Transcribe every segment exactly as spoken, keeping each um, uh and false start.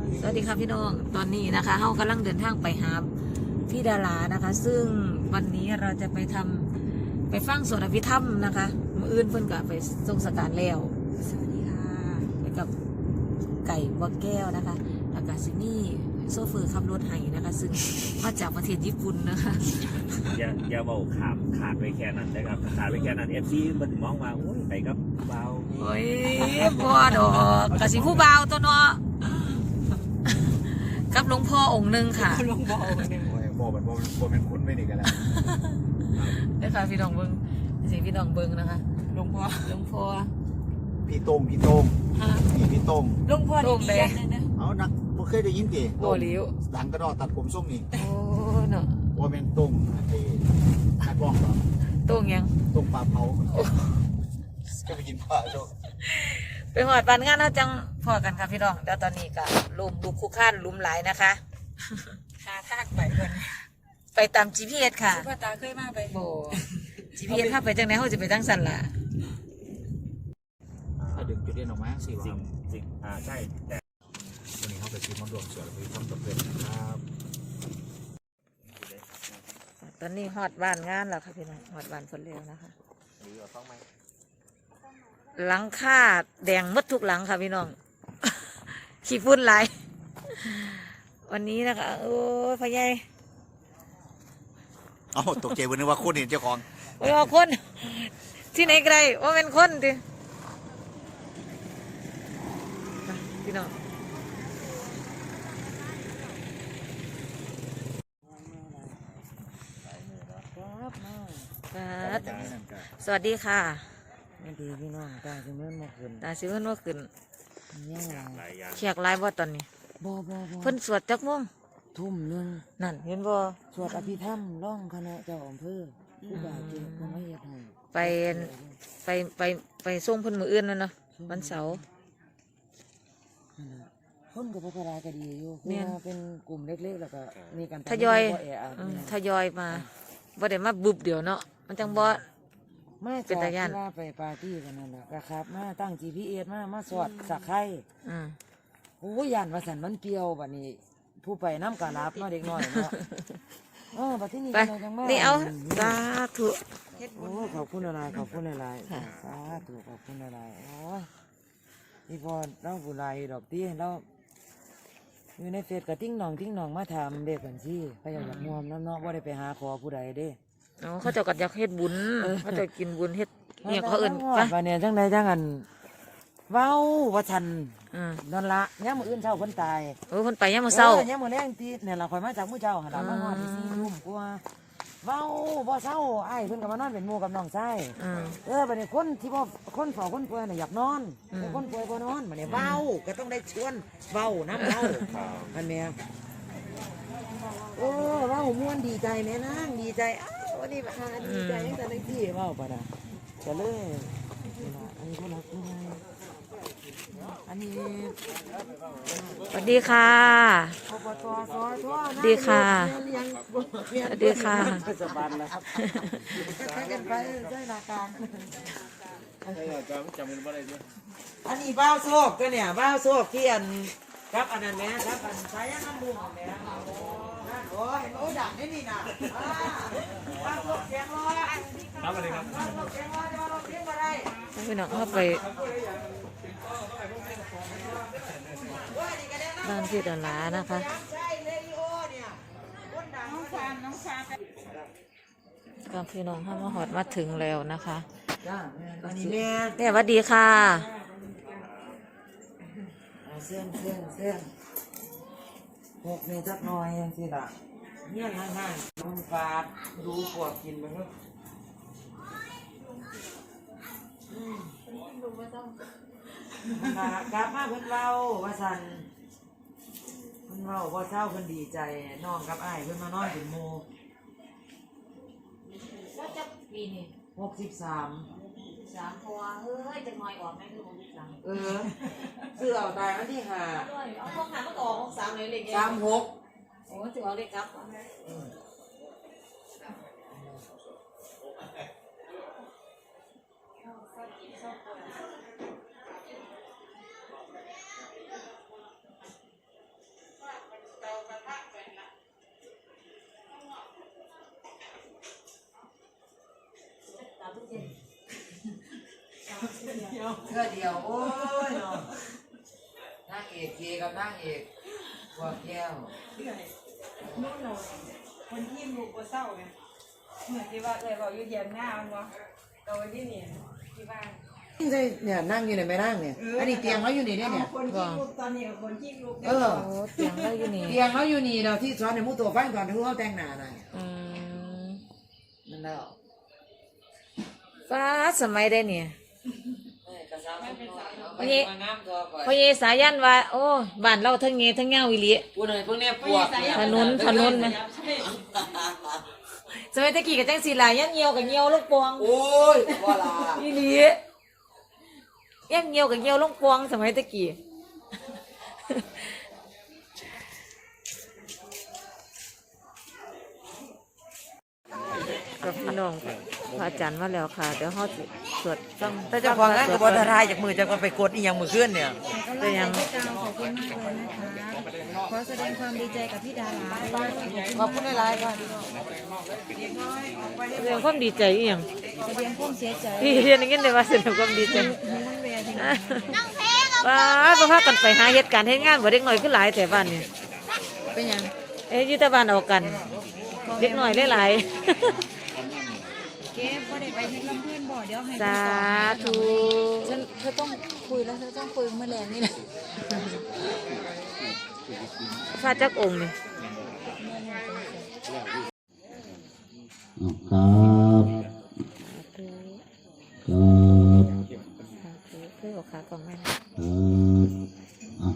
สวัสดีค่ะพี่น้องตอนนี้นะคะเฮากำลังเดินทางไปหาพี่ดารานะคะ ซึ่งวันนี้เราจะไปทำไปฟังสวดอภิธรรมนะคะมื้ออื่นเพิ่นก็ไปทรงสการแล้วสวัสดีค่ะไปกับไก่บัวแก้วนะคะแล้วก็ซินี่โซเฟอร์ขับรถไห้นะคะ ซึ่งมาจากประเทศญี่ปุ่นนะคะอย่าอย่าเบาขามขาดไปแค่นั้นนะครับขาดไปแค่นั้นเอฟซีมันมองว่าโอ้ยไปกับเบาโอ้ยบ่ดอกกะสิผู้บ่าวตัวเนาะกับหลวงพ่อองค์หนึ่งค่ะหลวงพ่อองค์หนึ่งโอ้ยพ่อมันพ่อเป็นคนไม่หนีกันแล้วได้ค่ะพี่น้องเบิ้งสิพี่น้องเบิ้งนะคะหลวงพ่อหลวงพ่อพี่ต้มพี่ต้มพี่พี่ต้มหลวงพ่อดีๆนะเอานักบ่เคยได้ยินติโอ้ลิ้วดังกระดอตัดผมส้มนี่โอ้เนาะว่าเป็นต้มไอ้นักร้องเหรอต้มยังต้มปลาเผาก็ไปกินปลาโจ้ไปหอดปานงานเราจังพอกันค่ะพี่น้องแล้วตอนนี้ก็ลุมลุกคู่ข้านลุมหลายนะคะหาทากไปเพิ่นไปตาม จี พี เอส ค่ะพ่อตาเคยมาไปโบ จี พี เอส ถ้าไปจังไหนเขาจะไปตั้งสันล่ะถ้าดึงจุดเด่นออกมาสิสิ่งสิ่งอ่าใช่แต่วันนี้เขาไปซื้อมันรวมส่วนไปทำกับเพื่อนนะครับตอนนี้ฮอดบ้านงานแล้วค่ะพี่น้องฮอดบ้านคนเร็วนะคะดีกว่าต้องไหมหลังคาแดงมดทุกหลังค่ะพี่น้อง ขี้ฝุ่นไหลวันนี้นะคะโอ้ยพ่อใหญ่อ๋อตกใจวันนึกว่าคนเห็นเจ้าของโอ้ยคนที่ไหนไกลว่าเป็นคนดิพี่น้องสวัสดีค่ะสวัสดีพี่น้องตาซิเมื่อเมื่อคืนตาซิเมื่อเมื่อคืนยังไงเขียกลายบ่ตอนนี้บ่บ่บ่เพิ่นสวดจักม่วงทุ่มหนึ่งนั่นเห็นบ่สวดอภิธรรมร้องคณะเจ้าอำเภอผู้บาดเจ็บคนไม่เฮ็ดให้ไปไปไปไปส่งเพิ่นมื้ออื่นนั่นเนาะวันเสาร์คนกับพระราก็ดีอยู่คือเป็นกลุ่มเล็กๆแล้วก็มีกันทยอยทยอยมาบ่ได้มาบุบเดียวเนาะมันจังบ่มาเป็นตาย่านไปปาร์ตี้กันนั่นแหละก็ครับมาตั้ง จี พี เอส มามาสวดสักไข่โอ้ยย่านว่าสันมันเปรี้ยวบัดนี้ผู้ไปน้ำกะลับเนาะเด็กน้อยเนาะเออบัดที่นี่จังมานี่เอาสาธุโอ้ขอบคุณอะไรขอบคุณอะไรสาธุขอบคุณอะไรโอ้ยนี่พอเราบุไรดอกตี้เราอยู่ในเฟซกับติ้งหนองติ้งหนองมาถามเด็กกันสิพยายามมวมน้ำเนาะว่าได้ไปหาขอผู้ใดเด้อ๋อเขาจะกัดอยากเฮ็ดบุญเขาจะกินบุญเฮ็ดเนี่ยเขาเอิ่นปะวันนี้จังใดจังอันเว้าว่าทันนอนละเนี่ยมืออื่นเช้าคนตายเออคนไปเนี่ยมือเช้าเนี่ยมือแรงตีเนี่ยเราคอยมาจากมือเจ้าหันมาหอดสี่ทุ่มกว่าเว้าบ่เช้าไอ้เพิ่นกับมานอนเป็นหมู่กับน้องชายเออวันนี้คนที่พ่อคนสองคนป่วยน่ะอยากนอนคนป่วยบ่นอนวันนี้เว้าก็ต้องได้ชวนเว้าน้ำเว้าอันเนี้ยโอ้เว้าม่วนดีใจแม่นางดีใจวันนี้มาดีใจตั้งแต่ในที่เว้าปะนะจะเลยอันนี้คนละคนอันนี้สวัสดีค่ะดีค่ะดีค่ะสบายแล้วใช้กันไปใช้นาการอันนี้บ้าโซกก็เนี่ยบ้าโซกที่อันครับอันนั้นแม่ครับอันสายน้ำมูกแม่โอ้ยโอ้ดักนี่นี่นะบ้าโซกเสียงร้อยครับอะไรครับบ้าโซกเสียงร้อยจะเราเสียงอะไรพี่น้องเข้าไปบ้านพี่ดารานะคะก็พี่น้องเข้ามาหอดมาถึงแล้วนะคะเนี่ยสวัสดีค่ะเส้นเส้นเส้นหกนี่จักหน่อยยังสิล่ะเนี่ยง่ายๆมันฟาดดูปวดกินไปก็กลับมาเพิ่นเล่าว่าสันเพิ่นเล่าว่าเศร้าเพิ่นดีใจน้องกับอ้ายเพิ่นมานอนเป็นโมก็จะปีนี่หกสิบสามสามพอเฮ้ยจะน้อยออกไหมคือหกสิบสามเออเสื้อเอาตายอันที่ห้าเอาพวกหาก็ออกหกสามเลยเลยสามหกโอ้ถือเอาเลยครับเพื่อเดียวโอ้ยเนาะนางเอกเกกับนางเอกบัวแก้วนู่นเราคนที่ลูกบัวเศร้าไงเหมือนที่ว่าเลยบอกอยู่เย็นหน้ามันวะโดยที่นี่ที่บ้านใช่เนี่ยนั่งอยู่ในไม่นั่งเนี่ยอันนี้เตียงเขาอยู่นี่เนี่ยคนที่ลูกตอนนี้กับคนที่ลูกเออโอ้เตียงเราอยู่นี่เตียงเขาอยู่นี่เราที่สอนในมุตัวฟังก่อนที่เขาแต่งหน้าหน่อยอืมนั่นแล้วฟ้าสมัยได้เนี่ยกระซ้ำไม่นี่มางามตัวก่อนพ่อเยสายันว่าโอ้บ้านเราทั้งเงี้ยทั้งเงาวิลิพูดหน่อยพวกเนี้ยปวดถนนถนนนะสมัยตะกี้กับจังสีลายยันเงียวกับเงียวลูกปวงโอ้ยว่าลาวิลิยันเงียวกับเงียวลูกปวงสมัยตะกี้กับพี่น้องพระอาจารย์มาแล้วค่ะเดี๋ยวเขาสิสวดฟังแต่เจ้าของงานกับบอลทายจากมือจะไปกดอีหยังมือขึ้นเนี่ยแต่ยังขอบคุณมากเลยนะคะขอแสดงความดีใจกับพี่ดาราขอบคุณหลายๆค่ะแสดงความดีใจอีหยังแสดงความเสียใจพี่เรียนอย่างนี้เลยว่าแสดงความดีใจมันเวียนว้าบ่พากันไปหาเหตุการณ์เฮ็ดงานบ่เด็กน้อยคือหลายแต่บ้านนี่เป็นยังเอ้ยอยู่แต่บ้านเอากัน เด็กน้อยหลายเก็บก็ได้ไปให้ลำเพื่อนบ่เดี๋ยวให้ๆ สาธุฉันเธอต้องคุยแล้วเธอต้องคุยเมื่อแรงนี่นะฟาจักองค์นี่ครับครับสาธุคือเอาขากล่องแม่นะครับอ่ะ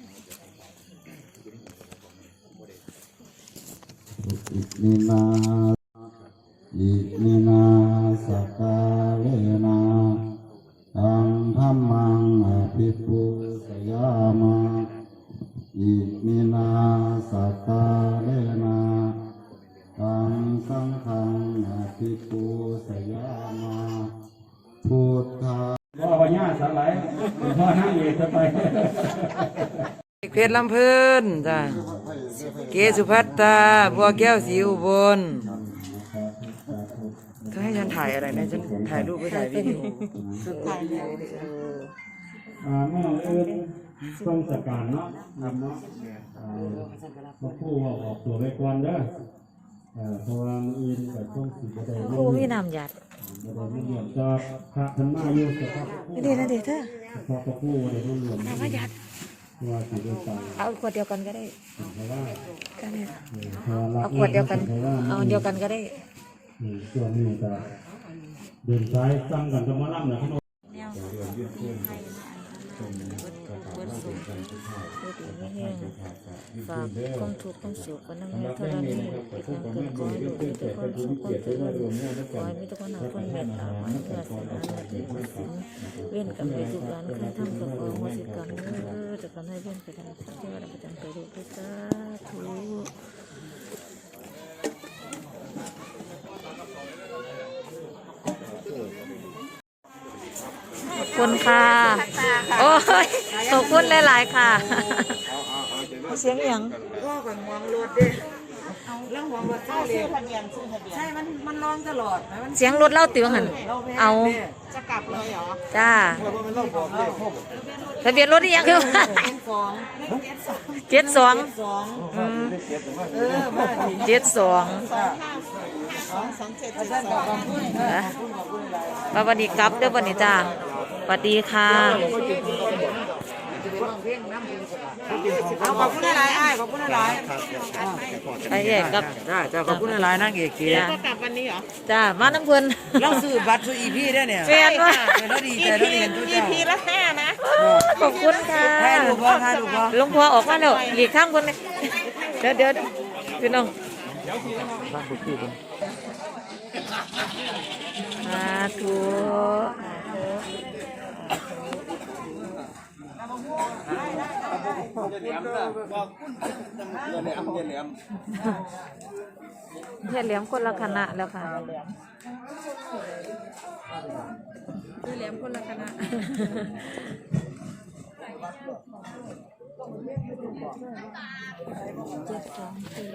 อิมินาอิมินาสกกาเลนะตังธัมมังอภิปุสยามะอิมินาสกกาเลนะตังสังฆังอภิปุสยามะพุทธาพ่อพญาสลายพ่อนั่งเอกไปเพชรลำเพิ่นจ้ะเกสุภัตตาบัวแก้วสีอุบลเธอให้ฉันถ่ายอะไรนะฉันถ่ายรูปไปถ่ายวิดีโออ่าเมื่ออื่นทรงสการเนาะนำเนาะอ่าพระผู้ว่าออกตัวไปก่อนเด้อเอ่อเพราะว่าอื่นกับช่วงสิบได้ครูมีน้ำหยาดบ่ได้ไม่เรียนจะพระท่านมาอยู่สภาพนี่เด้อนะเด้อเธอพระพระผู้ได้ร่วมรวมน้ำหยาดว่าสิได้ตายเอาขวดเดียวกันก็ได้เพราะว่าก็ได้เพราะว่าเอาขวดเดียวกัน เอาอันเดียวกันก็ได้อืมช่วงนี้ก็เดินสายสั่งกันจะมาล่ำนะพี่น้องฝากความทุกข์ความสุขก็นั่งให้เท่านั้นที่ทางเกิดขอให้ลูกมีแต่ความสุขความเจริญขอให้มีแต่คนหาคนเมตตาขอให้เกิดสนาที่มีสิ่งเว้นกับไปทุกการคือทำกับความวสิกรรมเออจะกันให้เว้นไปทางสัตว์ที่ว่าประจำไปดูด้วยสาธุขอบคุณค่ะโอ้ยขอบคุณหลายๆค่ะเสียงอย่างก็ก่อนมองรถเด้เรื่องมองรถใช่เลยใช่มันมันร้องตลอดนะมันเสียงรถเล่าติวหันเอาจะกลับเลยเหรอจ้าทะเบียนรถที่ยังคือเป็นสองเจ็ดสองสองเออมาดีเจ็ดสองสองเจ็ดอาจารย์ขอบคุณขอบคุณขอบคุณหลายบาวันนี้กลับเด้อวันนี้จ้าสวัสดีค่ะเอาขอบคุณหลายอ้ายขอบคุณหลายไปแยกกับจ้าจ้าขอบคุณหลายนั่งเอกเกียจ้าก็กลับวันนี้เหรอจ้ามาน้ำเพิ่นเราซื้อบัตรซื้ออีพีได้เนี่ยแฟนว่าเราดีใจเราเห็นทุกอีเจ้าพีละห้านะขอบคุณค่ะถ่ายรูปบ่ถ่ายรูปบ่หลวงพ่อออกมาแล้วหลีกข้างคนเลยเดี๋ยวเดี๋ยวพี่น้องสาธุเฮียเหลี่ยมคนละคณะแล้วค่ะคือเหลี่ยมคนละคณะเจ็ดสองสี่